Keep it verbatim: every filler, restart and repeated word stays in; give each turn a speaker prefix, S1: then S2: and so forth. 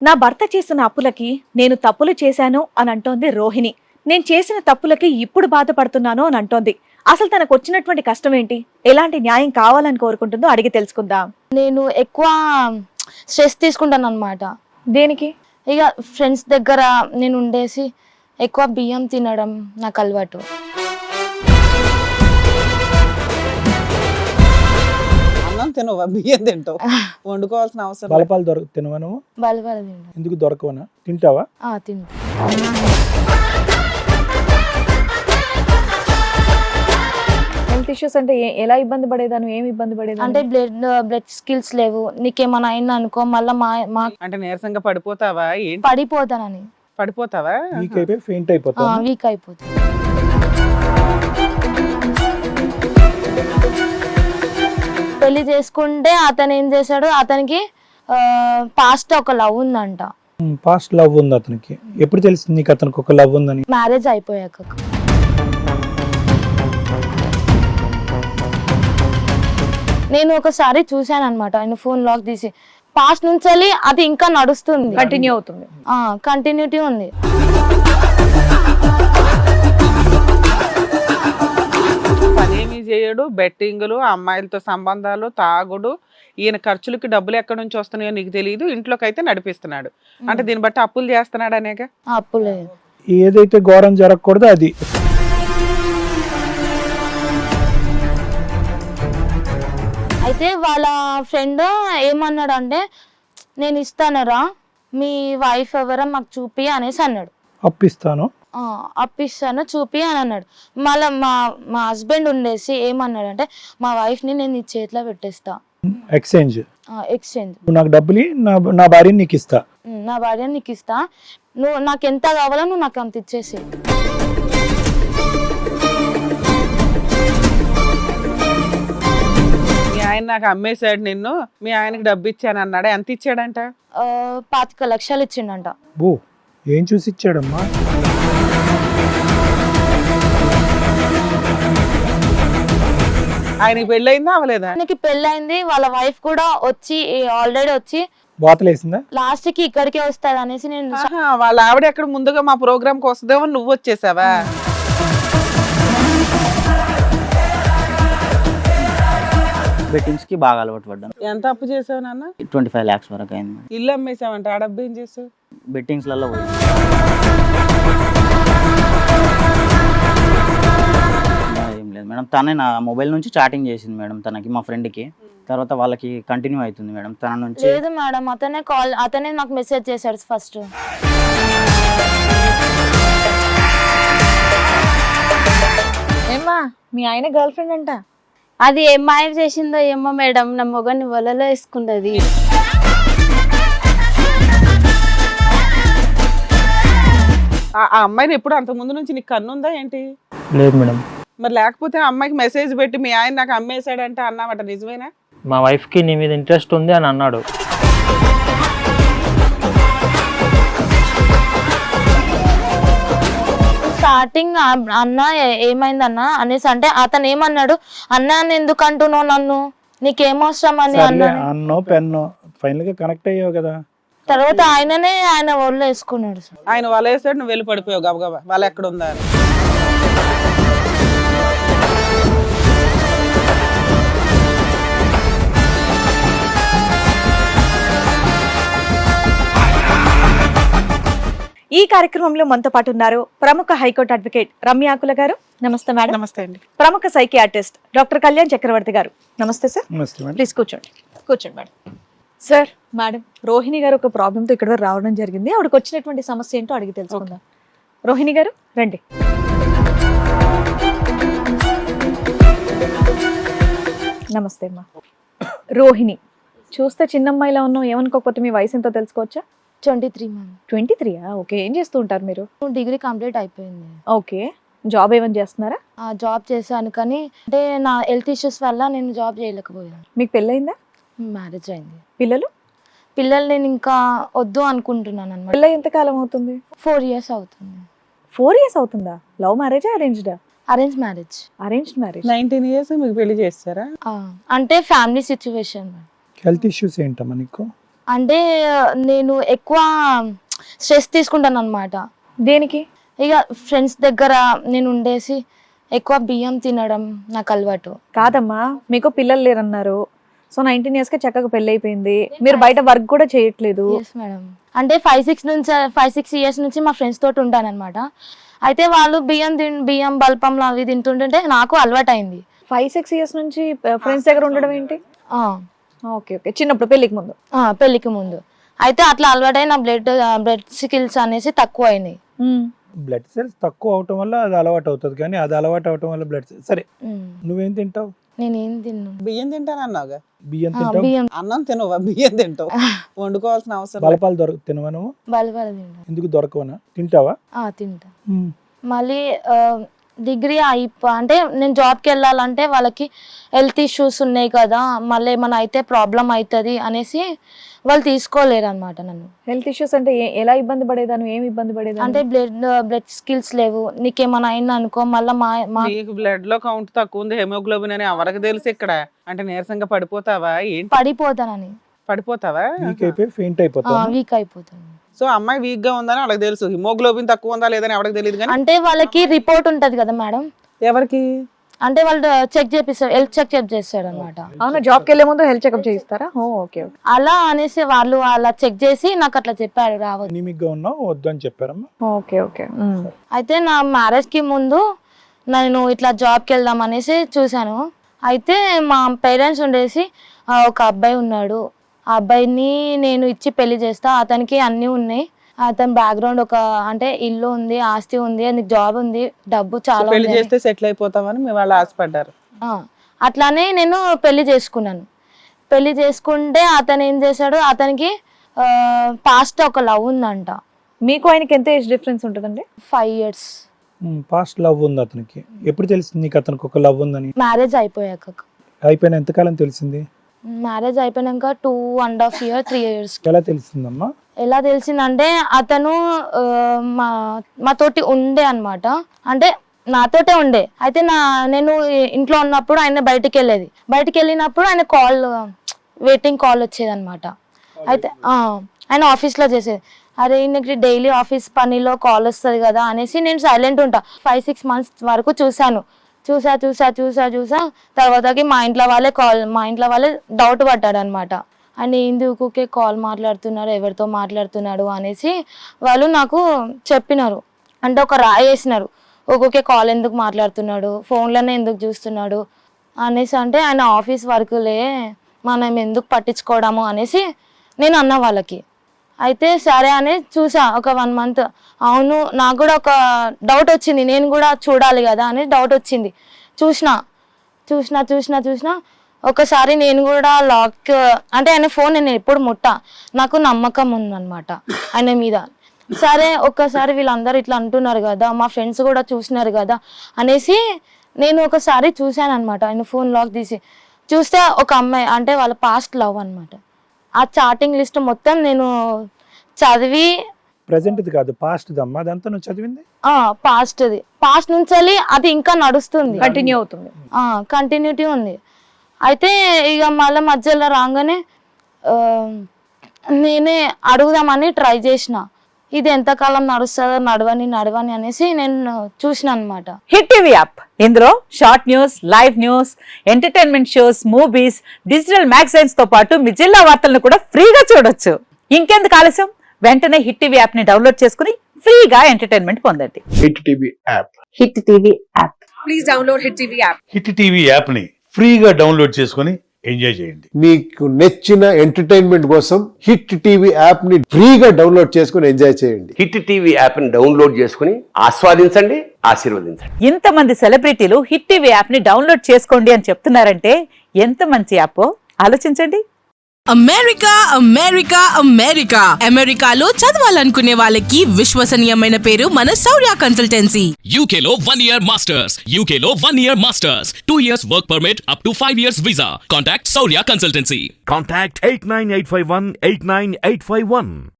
S1: నా భర్త చేసిన అప్పులకి నేను తప్పులు చేశాను అని అంటోంది రోహిణి. నేను చేసిన తప్పులకి ఇప్పుడు బాధపడుతున్నాను అని అంటోంది. అసలు తనకు వచ్చినటువంటి కష్టం ఏంటి, ఎలాంటి న్యాయం కావాలని కోరుకుంటుందో అడిగి తెలుసుకుందాం.
S2: నేను ఎక్కువ స్ట్రెస్ తీసుకుంటాను అనమాట.
S1: దేనికి?
S2: ఇక ఫ్రెండ్స్ దగ్గర నేను ఉండేసి ఎక్కువ బియ్యం తినడం నాకు అలవాటు.
S3: అన్నం తినవా, బియ్యం తింటావు, వండుకోవాల్సిన అవసరం
S4: బలపాలు దొరక తినవా నువ్వు?
S2: బల బల తింటాను.
S4: ఎందుకు దొరకవనా? తింటావా?
S2: తింటా.
S1: హెల్త్ ఇష్యూస్ అంటే ఏ- ఎలా ఇబ్బంది పడేదాను, ఏమి ఇబ్బంది పడేదాను?
S2: అంటే బ్లడ్ బ్లడ్ స్కిల్స్ లేవు. నీకేమైనా అయింది అనుకో మళ్ళీ మా మా
S3: అంటే నీరసంగా పడిపోతావా ఏంటి?
S2: పడిపోతానని.
S3: పడిపోతావా?
S4: వీక్ అయిపోయి ఫెయింట్ అయిపోతావు.
S2: వీక్ అయిపోతుంది. పెళ్లి చేసుకుంటే అతను ఏం చేశాడు, అతనికి పాస్ట్ ఒక లవ్ ఉందంట.
S4: పాస్ట్ లవ్ ఉంది అతనికి. ఎప్పుడు తెలిసింది నీకు అతనికి ఒక లవ్ ఉందని?
S2: మ్యారేజ్ అయిపోయాక. నేను ఒకసారి చూశాను అనమాట, ఆయన ఫోన్ లాక్ తీసి. పాస్ట్ నుంచి వెళ్ళి అది ఇంకా నడుస్తుంది,
S1: కంటిన్యూ అవుతుంది.
S2: కంటిన్యూటీ ఉంది.
S3: పనేమీ చేయడు, బెట్టింగులు, అమ్మాయిలతో సంబంధాలు, తాగుడు. ఈయన ఖర్చులకి డబ్బులు ఎక్కడి నుంచి వస్తున్నాయో నీకు తెలియదు, ఇంట్లోకి అయితే నడిపిస్తున్నాడు. అంటే దీన్ని బట్టి అప్పులు చేస్తున్నాడు అనేక.
S2: అప్పు లేదు.
S4: ఏదైతే ఘోరం జరగకూడదో అది.
S2: అయితే వాళ్ళ ఫ్రెండ్ ఏమన్నాడు అంటే, నేను ఇస్తానరా, మీ వైఫ్ ఎవరో మాకు చూపి అనేసి అన్నాడు.
S4: అప్పిస్తాను.
S2: ఆ, అప్పిస్తాను చూపి అని అన్నాడు. మళ్ళీ మా మా హస్బెండ్ ఉండేసి ఏమన్నాడు అంటే, మా వైఫ్ని నేను నీ చేతిలో పెట్టేస్తా,
S4: ఎక్స్చేంజ్.
S2: ఎక్స్చేంజ్.
S4: నువ్వు నాకు డబ్బులు ఇయ్యి, నా నా భార్యని నీకు ఇస్తా.
S2: నా భార్యని నీకు ఇస్తా, నువ్వు నాకు ఎంత కావాలో నువ్వు నాకు అంత ఇచ్చేసి.
S3: మీ ఆయన నాకు అమ్మేశాడు నిన్ను, మీ ఆయనకి డబ్బు ఇచ్చాను అన్నాడు. ఎంత ఇచ్చాడంట?
S2: పాతిక లక్షలు ఇచ్చిండంట.
S4: బో, ఏం చూసి ఇచ్చాడమ్మా?
S3: ఆయనకి పెళ్ళయిందా అవలేదా?
S2: ఆయనకి పెళ్ళైంది, వాళ్ళ వైఫ్ కూడా వచ్చి ఆల్రెడీ వచ్చి
S4: బాతలేసిందా?
S2: లాస్ట్ కి ఇక్కడికే వస్తాడు అనేసి నేను.
S3: ఆహా, వాళ్ళ ఆవిడ ఎక్కడ ముందుగా మా ప్రోగ్రామ్ కి వస్తుందేమో నువ్వు వచ్చేసావా?
S5: బెట్టింగ్స్ కి బాగా అలవాటు పడ్డాను.
S3: ఎంత అప్పు చేసావు నాన్న?
S5: ట్వంటీ ఫైవ్ ల్యాక్స్ వరకు అయింది.
S3: ఇల్లు అమ్మేసావంట, ఆ డబ్బు ఏం చేసావు?
S5: బెట్టింగ్స్ లలో పోయి ఏం లేదు మేడం, తనే నా మొబైల్ నుంచి చాటింగ్ చేసింది మేడం తనకి, మా ఫ్రెండ్ కి. తర్వాత వాళ్ళకి కంటిన్యూ అవుతుంది మేడం తన నుంచి.
S2: లేదు మేడం, అతనే కాల్ అతనే నాకు మెసేజ్ చేశాడు ఫస్ట్.
S1: ఏమ్మా, మీ ఆయన గర్ల్ ఫ్రెండ్ అంట.
S6: అది ఏం మాయ చేసిందో ఏమో మేడం, నా మొగని వలలో వేసుకున్నది.
S3: ఆ అమ్మాయిని ఎప్పుడు అంత ముందు నుంచి నీకు కన్నుందా ఏంటి?
S4: లేదు మేడం.
S3: మరి లేకపోతే ఆ అమ్మాయికి మెసేజ్ పెట్టి మీ ఆయన నాకు అమ్మేశాడంటే అన్నామట, నిజమేనా?
S7: మా వైఫ్కి నీ మీద ఇంట్రెస్ట్ ఉంది అని అన్నాడు.
S2: స్టార్టింగ్ అన్న ఏమైందన్న అనేసి అంటే, అతను ఏమన్నాడు, అన్న ఎందుకు అంటున్నావు నన్ను, నీకేమవసరం అని అన్నా.
S4: అన్నో పెన్నో ఫైనల్ గా కనెక్ట్ అయ్యావు కదా.
S2: తర్వాత ఆయననే ఆయన ఒళ్ళు వేసుకున్నాడు.
S3: ఆయన వల వేసాడు, నువ్వు వెళ్ళి పడిపోయావు గబగబా, వాళ్ళ ఎక్కడ ఉందా అని.
S1: ఈ కార్యక్రమంలో మనతో పాటు ఉన్నారు ప్రముఖ హైకోర్టు అడ్వకేట్ రమ్యాకుల గారు. నమస్తే మేడం.
S3: నమస్తే అండి.
S1: ప్రముఖ సైకియాట్రిస్ట్ డాక్టర్ కళ్యాణ్ చక్రవర్తి గారు. నమస్తే సార్.
S4: నమస్తే మేడం.
S1: ప్లీజ్ కూర్చోండి. కూర్చోండి మేడం. సార్, మేడం రోహిణి గారు ఒక ప్రాబ్లంతో ఇక్కడ వరకు రావడం జరిగింది. ఆవిడకి వచ్చినటువంటి సమస్య ఏంటో అడిగి తెలుసుకుందాం. రోహిణి గారు రండి. నమస్తే అమ్మా. రోహిణి, చూస్తే చిన్నమ్మాయిలా ఉన్నావు, ఏమనుకోకపోతే మీ వయసు ఎంతో తెలుసుకోవచ్చా?
S2: Twenty three month.
S1: ట్వంటీ త్రీయా? ఓకే. ఏం చేస్తూ ఉంటారు మీరు?
S2: డిగ్రీ కంప్లీట్ అయిపోయింది.
S1: ఓకే. జాబ్ ఏమైనా చేస్తున్నారా?
S2: ఆ జాబ్ చేశాను, కానీ అంటే నా హెల్త్ ఇష్యూస్ వల్ల నేను జాబ్ చేయలేకపోయాను.
S1: మీకు పెళ్ళయిందా?
S2: మ్యారేజ్ అయింది.
S1: పిల్లలు?
S2: పిల్లలు నేను ఇంకా వద్దు అనుకుంటున్నాను అనమాట.
S1: పిల్ల ఎంత కాలం అవుతుంది?
S2: ఫోర్ ఇయర్స్ అవుతుంది.
S1: ఫోర్ ఇయర్స్ అవుతుందా? లవ్ మ్యారేజా, అరేంజ్డా?
S2: Arrange marriage.
S1: Arranged marriage.
S3: Nineteen years మీకు పెళ్లి చేస్తారా?
S2: అంటే ఫ్యామిలీ సిచ్యువేషన్.
S4: హెల్త్ ఇష్యూస్ ఏంటమ్మా నీకు?
S2: అంటే నేను ఎక్కువ స్ట్రెస్ తీసుకుంటాను అనమాట.
S1: దేనికి?
S2: ఇక ఫ్రెండ్స్ దగ్గర నేను ఉండేసి ఎక్కువ బియ్యం తినడం నాకు అలవాటు.
S1: కాదమ్మా, మీకు పిల్లలు లేరన్నారు. సో నైన్టీన్ ఇయర్స్ కి చక్కగా పెళ్లి అయిపోయింది, మీరు బయట వర్క్ కూడా చేయట్లేదు.
S2: మేడం అంటే ఫైవ్ సిక్స్ నుంచి ఫైవ్ సిక్స్ ఇయర్స్ నుంచి మా ఫ్రెండ్స్ తోటి ఉంటాను అనమాట. అయితే వాళ్ళు బియ్యం తిన్ బియ్యం బల్పంలో అవి తింటుంటే నాకు అలవాటు అయింది.
S1: ఫైవ్ సిక్స్ ఇయర్స్ నుంచి ఫ్రెండ్స్ దగ్గర ఉండడం ఏంటి?
S2: ఆ,
S1: ఓకే ఓకే, చిన్నప్పుడు పెళ్లికి ముందు.
S2: ఆ, పెళ్లికి ముందు. అయితే అట్లా అలవాటై నా బ్లడ్ బ్లడ్ స్కిల్స్ అనేసి తక్కువ అయినాయి.
S4: బ్లడ్ సెల్స్ తక్కువ అవటం వల్ల అది అలవాటు అవుతుంది, కానీ అది అలవాటు అవటం వల్ల బ్లడ్ సెల్స్. సరే,
S2: ఉమ్.
S4: నువ్వేం తింటావు?
S2: నేనేం తిన్నాను?
S3: బియ్యం తింటానన్నావుగా,
S4: బియ్యం
S2: ఆ,
S4: తింటావు?
S2: బియ్యం
S3: అన్నం తినవా? బియ్యం తింటావు, వండుకోవాల్సిన అవసరం లేదు.
S4: బలపాలు దొరక తినవా నువ్వు?
S2: బలబల తింటాను.
S4: ఎందుకు దొరకవనా? తింటావా?
S2: ఆ, తింటా. మళ్ళీ డిగ్రీ అయిపో అంటే నేను జాబ్కి వెళ్ళాలంటే వాళ్ళకి హెల్త్ ఇష్యూస్ ఉన్నాయి కదా, మళ్ళీ ఏమైనా అయితే ప్రాబ్లం అవుతుంది అనేసి వాళ్ళు తీసుకోలేరు అనమాట నన్ను.
S1: హెల్త్ ఇష్యూస్ అంటే ఏ- ఎలా ఇబ్బంది పడేదాను? ఏమి ఇబ్బంది పడేదాను?
S2: అంటే బ్లడ్ బ్లడ్ స్కిల్స్ లేవు, నీకేమైనా అయింది అనుకో మళ్ళీ మా మా
S3: నీకు బ్లడ్ లో కౌంట్ తక్కువ ఉంది, హెమోగ్లోబిన్ అని ఎవరికి తెలుసు ఇక్కడ? అంటే నీరసంగా పడిపోతావా ఏంటి?
S2: పడిపోతానని.
S3: పడిపోతావా?
S4: వీక్ అయిపోయి ఫెయింట్ అయిపోతావు.
S2: వీక్ అయిపోతాను.
S3: సో అమ్మాయి వీక్ గా ఉందని వాళ్ళకి తెలుసు, హిమోగ్లోబిన్ తక్కువ ఉందా లేదని ఎవరికి తెలియదు. కానీ
S2: అంటే వాళ్ళకి రిపోర్ట్ ఉంటది కదా మేడం,
S3: ఎవరికి?
S2: అంటే వాళ్ళు చెక్ చేపిస్తారు, హెల్త్ చెక్ చెక్ చేస్తాడు అనమాట.
S1: అవునా, జాబ్కి వెళ్ళే ముందు హెల్త్ చెకప్ చేయిస్తారా? Oh okay okay.
S2: అలా అనేసి వాళ్ళు అలా చెక్ చేసి నాకు అట్లా చెప్పారు రావద్దు.
S4: ఎనిమిక్ గా ఉన్నావు, వద్దు అని చెప్పారమ్మా.
S1: Okay okay. ఉమ్.
S2: అయితే నా మ్యారేజ్ కి ముందు నేను ఇట్లా జాబ్కి వెళ్దాం అనేసి చూశాను. అయితే మా పేరెంట్స్ ఉండేసి "ఆ, ఒక అబ్బాయి ఉన్నాడు, ఆ అబ్బాయిని నేను ఇచ్చి పెళ్లి చేస్తా, అతనికి అన్నీ ఉన్నాయి, అతని బ్యాక్గ్రౌండ్ ఒక అంటే ఇల్లు ఉంది, ఆస్తి ఉంది, నీకు జాబ్ ఉంది, డబ్బు చాలా
S3: పెళ్లి
S2: ఉంది"
S3: చేస్తే సెటిల్ అయిపోతామని మీ వాళ్ళు ఆశపడ్డారు.
S2: ఆ, అట్లానే నేను పెళ్లి చేసుకున్నాను. పెళ్లి చేసుకుంటే అతను ఏం చేశాడు, అతనికి పాస్ట్ ఒక లవ్ ఉందంట.
S1: మీకు ఆయనకి ఎంత ఏజ్ డిఫరెన్స్ ఉంటుందండి?
S2: ఫైవ్ ఇయర్స్
S4: పాస్ట్ లవ్ ఉంది అతనికి. ఎప్పుడు తెలిసింది నీకు అతనికి ఒక లవ్ ఉందని?
S2: మ్యారేజ్ అయిపోయాక.
S4: అయిపోయిన ఎంతకాలం తెలిసింది?
S2: మ్యారేజ్ అయిపోయాక two and half year three years.
S4: ఎలా తెలిసిందమ్మా?
S2: ఎలా తెలిసిందంటే అతను ఆ, మా మాతోటి ఉండే అన్నమాట. అంటే నాతోటే ఉండే. అయితే నా నేను ఇంట్లో ఉన్నప్పుడు ఆయన బయటికి వెళ్ళేది. బయటికి వెళ్ళినప్పుడు ఆయన కాల్ వెయిటింగ్ కాల్ వచ్చేది అనమాట. అయితే ఆ, ఆయన ఆఫీస్లో చేసేది. అరే ఈయనకి డైలీ ఆఫీస్ పనిలో కాల్ వస్తుంది కదా అనేసి నేను సైలెంట్ ఉంటా. ఫైవ్ సిక్స్ మంత్స్ వరకు చూశాను. చూసా చూసా చూసా చూసా తర్వాతకి మా ఇంట్లో వాళ్ళే కాల్ మా ఇంట్లో వాళ్ళే డౌట్ పడ్డాడు అనమాట. ఆయన ఎందుకుకే కాల్ మాట్లాడుతున్నాడు, ఎవరితో మాట్లాడుతున్నాడు అనేసి వాళ్ళు నాకు చెప్పినారు. అంటే ఒక రాయి వేసినారు, ఒక్కొక్కే కాల్ ఎందుకు మాట్లాడుతున్నాడు, ఫోన్లోనే ఎందుకు చూస్తున్నాడు అనేసి. అంటే ఆయన ఆఫీస్ వర్కులే, మనం ఎందుకు పట్టించుకోవడము అనేసి నేను అన్న వాళ్ళకి. అయితే సరే అని చూసా ఒక వన్ మంత్. అవును, నాకు కూడా ఒక డౌట్ వచ్చింది, నేను కూడా చూడాలి కదా అని డౌట్ వచ్చింది. చూసిన చూసిన చూసిన చూసిన ఒకసారి నేను కూడా లాక్ అంటే ఆయన ఫోన్ నేను ఎప్పుడు ముట్టా, నాకు నమ్మకం ఉందన్నమాట ఆయన మీద. సరే ఒక్కసారి వీళ్ళందరూ ఇట్లా అంటున్నారు కదా, మా ఫ్రెండ్స్ కూడా చూసినారు కదా అనేసి నేను ఒకసారి చూశాను అనమాట. ఆయన ఫోన్ లాక్ తీసి చూస్తే ఒక అమ్మాయి అంటే వాళ్ళ పాస్ట్ లవ్ అనమాట. ఆ చాటింగ్ లిస్ట్ మొత్తం నేను చదివి
S4: ప్రెసెంట్ ఇది కాదు, పాస్ట్ దమ్మా. అదంతా నువ్వు చదివింది
S2: ఆ పాస్ట్ది పాస్ట్ నుంచి అది ఇంకా నడుస్తుంది,
S1: కంటిన్యూ అవుతుంది.
S2: కంటిన్యూటీ ఉంది. అయితే ఇక మళ్ళీ మధ్యలో రాగానే ఆ, నేనే అడుగుదామని ట్రై చేసిన, ఇది ఎంతకాలం నడుస్తుందో నడవని నడవని అనేసి నేను చూసిన అనమాట.
S8: హిట్ టీవీ యాప్, ఇందులో short news, live news, entertainment shows, movies, digital magazines తో పాటు మీ జిల్లా వార్తలను కూడా ఫ్రీగా చూడొచ్చు. ఇంకెందుకు ఆలస్యం, వెంటనే హిట్ టీవీ యాప్ ని డౌన్లోడ్ చేసుకుని ఫ్రీగా ఎంటర్టైన్మెంట్ పొందండి.
S9: Hit TV app
S8: hit TV app.
S9: Hit TV app ని ఫ్రీగా డౌన్లోడ్ చేసుకొని ఎంజాయ్ చేయండి.
S10: మీకు నచ్చిన ఎంటర్టైన్మెంట్ కోసం హిట్ టీవీ యాప్ ని ఫ్రీగా డౌన్లోడ్ చేసుకుని ఎంజాయ్ చేయండి.
S11: హిట్ టీవీ యాప్ ని డౌన్లోడ్ చేసుకుని ఆస్వాదించండి, ఆశీర్వదించండి.
S8: ఇంతమంది సెలబ్రిటీలు హిట్ టీవీ యాప్ ని డౌన్లోడ్ చేసుకోండి అని చెప్తున్నారంటే ఎంత మంచి యాప్ ఆలోచించండి.
S12: అమెరికా అమెరికా అమెరికా అమెరికాలో చదవాలనుకునే వాళ్ళకి విశ్వసనీయమైన పేరు మన శౌర్య కన్సల్టెన్సీ.
S13: యూకేలో వన్ ఇయర్ మాస్టర్స్ యూకేలో one year masters two years work permit up to five years visa. Contact Shourya consultancy.
S9: Contact eight nine eight five one eight nine eight five one.